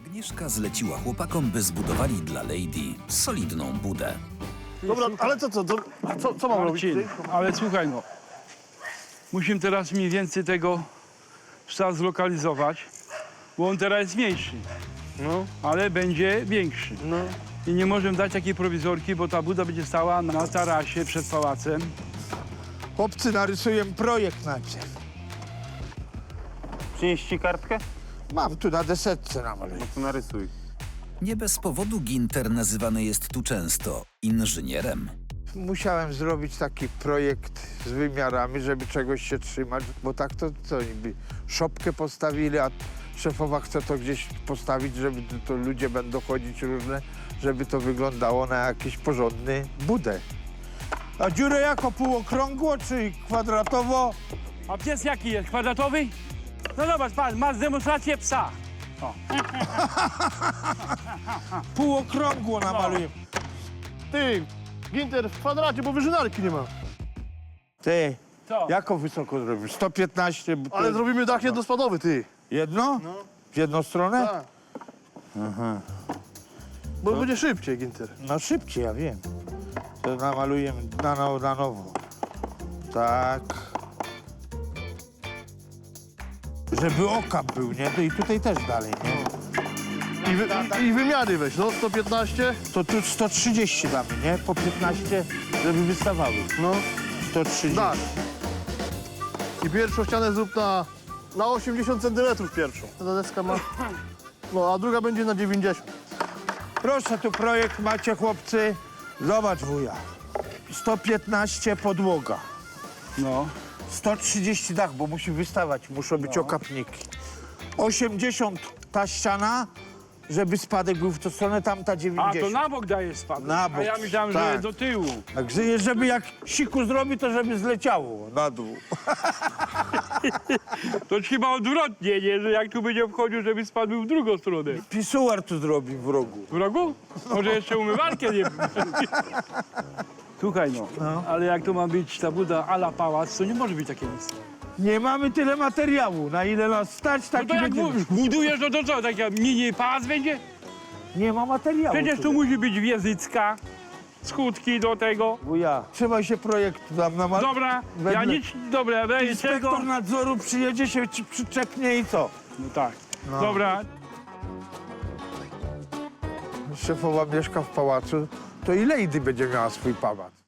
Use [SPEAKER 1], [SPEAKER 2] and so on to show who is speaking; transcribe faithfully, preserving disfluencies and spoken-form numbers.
[SPEAKER 1] Agnieszka zleciła chłopakom, by zbudowali dla Lady solidną budę.
[SPEAKER 2] Dobra, ale co, co, co, co, co mam robić?
[SPEAKER 3] Marcin, ale słuchaj no, musimy teraz mniej więcej tego psa zlokalizować, bo on teraz jest mniejszy,
[SPEAKER 2] No,
[SPEAKER 3] ale będzie większy.
[SPEAKER 2] no.
[SPEAKER 3] I nie możemy dać takiej prowizorki, bo ta buda będzie stała na tarasie przed pałacem.
[SPEAKER 4] Chłopcy narysuję projekt najpierw.
[SPEAKER 5] Przynieść ci kartkę?
[SPEAKER 4] Mam tu na desetce namaluję.
[SPEAKER 5] To narysuj.
[SPEAKER 1] Nie bez powodu Ginter nazywany jest tu często inżynierem.
[SPEAKER 4] Musiałem zrobić taki projekt z wymiarami, żeby czegoś się trzymać, bo tak to co niby szopkę postawili, a szefowa chce to gdzieś postawić, żeby to, to ludzie będą chodzić różne, żeby to wyglądało na jakiś porządny budę. A dziurę jako półokrągło czy kwadratowo?
[SPEAKER 3] A pies jaki jest? Kwadratowy? No zobacz, pan, masz demonstrację psa.
[SPEAKER 4] Półokrągło namaluję.
[SPEAKER 2] Ty, Ginter, w kwadracie, bo wyżynarki nie ma.
[SPEAKER 4] Ty,
[SPEAKER 3] Co?
[SPEAKER 4] jako wysoko zrobisz? sto piętnaście? bo to
[SPEAKER 2] Ale
[SPEAKER 4] jest-
[SPEAKER 2] zrobimy dach jednospadowy, ty.
[SPEAKER 4] Jedno?
[SPEAKER 2] No.
[SPEAKER 4] W jedną stronę?
[SPEAKER 2] Tak. Bo będzie szybciej, Ginter.
[SPEAKER 4] No szybciej, ja wiem. To namaluję na, no, na nowo. Tak. Żeby okap był, nie? To i tutaj też dalej, nie?
[SPEAKER 2] I, wy, i, i wymiary weź, no, sto piętnaście.
[SPEAKER 4] To tu sto trzydzieści damy, nie? Po piętnaście, żeby wystawały.
[SPEAKER 2] No,
[SPEAKER 4] sto trzydzieści.
[SPEAKER 2] tak. I pierwszą ścianę zrób na, na osiemdziesiąt centymetrów pierwszą. Ta deska ma... No, a druga będzie na dziewięćdziesiąt.
[SPEAKER 4] Proszę, tu projekt macie, chłopcy. Zobacz, wuja. sto piętnaście podłoga.
[SPEAKER 3] No.
[SPEAKER 4] sto trzydzieści dach, bo musi wystawać, muszą być
[SPEAKER 3] No.
[SPEAKER 4] okapniki. osiemdziesiąt ta ściana, żeby spadek był w tę stronę, tamta
[SPEAKER 3] A,
[SPEAKER 4] dziewięćdziesiąt.
[SPEAKER 3] to na bok daje spadek.
[SPEAKER 4] Na bok,
[SPEAKER 3] A ja myślałem,
[SPEAKER 4] tak.
[SPEAKER 3] że do tyłu.
[SPEAKER 4] Także żeby jak siku zrobi, to żeby zleciało na dół.
[SPEAKER 3] To chyba odwrotnie, nie? Że jak tu będzie wchodził, żeby spadł w drugą stronę.
[SPEAKER 4] Pisuar tu zrobi w rogu.
[SPEAKER 3] W rogu? Może jeszcze umywalkę nie... Słuchaj no,
[SPEAKER 4] No.
[SPEAKER 3] ale jak to ma być ta buda a la pałac, to nie może być takie nic.
[SPEAKER 4] Nie mamy tyle materiału, na ile nas stać,
[SPEAKER 3] No
[SPEAKER 4] tak
[SPEAKER 3] to
[SPEAKER 4] i
[SPEAKER 3] jak
[SPEAKER 4] będzie.
[SPEAKER 3] bu- budujesz, no to co, taki mini pałac będzie?
[SPEAKER 4] Nie ma materiału.
[SPEAKER 3] Przecież tu
[SPEAKER 4] tyle.
[SPEAKER 3] musi być wiezycka, skutki do tego.
[SPEAKER 4] Wuja, trzymaj się projektu tam na ma...
[SPEAKER 3] Dobra, ja
[SPEAKER 4] Wedle-
[SPEAKER 3] nic, dobra, daję czego.
[SPEAKER 4] Inspektor nadzoru przyjedzie, się ci przyczepnie i co?
[SPEAKER 3] No tak,
[SPEAKER 4] No.
[SPEAKER 3] dobra.
[SPEAKER 4] Szefowa mieszka w pałacu, to i Lady będzie miała swój pałac.